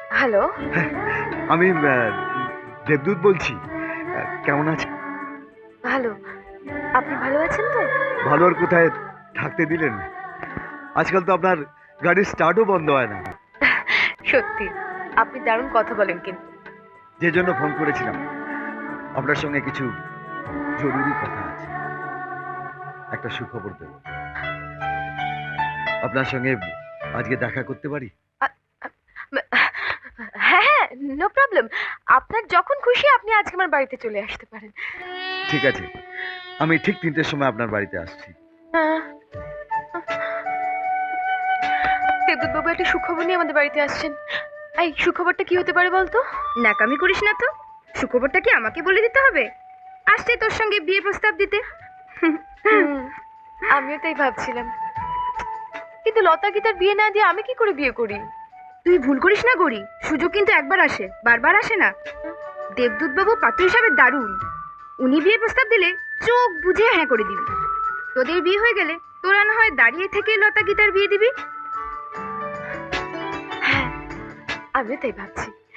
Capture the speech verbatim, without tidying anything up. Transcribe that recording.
Hello. আমি আহ, দেবদূত বলছি। আহ, কেমন আছেন? ভালো। আপনি ভালো আছেন তো? ভালো আর কোথায় থাকতে দিলেন? আজকাল তো আপনার গাড়ির স্টার্টও বন্ধ হয় না। সত্যি আপনি দারুণ কথা বলেন কিন্তু। যে জন্য ফোন করেছিলাম, আপনার সঙ্গে কিছু জরুরি কথা আছে। একটা সুখবর দেব। আপনার সঙ্গে আজকে দেখা করতে পারি? আ- আ- হ্যাঁ হ্যাঁ, নো প্রবলেম। আপনার যখন খুশি আপনি আজকে আমার বাড়িতে চলে আসতে পারেন। ঠিক আছে, আমি ঠিক তিনটের সময় আপনার বাড়িতে আসছি। আহ, দেবদূত বাবু একটা সুখবর নিয়ে আমাদের বাড়িতে আসছেন। এই সুখবরটা কি হতে পারে বলতো? ন্যাকামি করিস না তো। সুখবরটা কি আমাকে বলে দিতে হবে? আসছে তোর সঙ্গে বিয়ে প্রস্তাব দিতে। হুম, আমিও তাই ভাবছিলাম, কিন্তু লতা গীতার বিয়ে না দিয়ে আমি কি করে বিয়ে করি? তুই ভুল করিস না গরি, সুযোগ কিন্তু একবার আসে, বারবার আসে না। দেবদূত বাবু পাত্র হিসাবে দারুণ। উনি বিয়ে প্রস্তাব দিলে চোখ বুঝে হ্যাঁ করে দিবি। তোদের বিয়ে হয়ে গেলে তোরা না হয় দাঁড়িয়ে থেকে লতা গীতার বিয়ে দিবি। হ্যাঁ, আমিও তাই ভাবছি।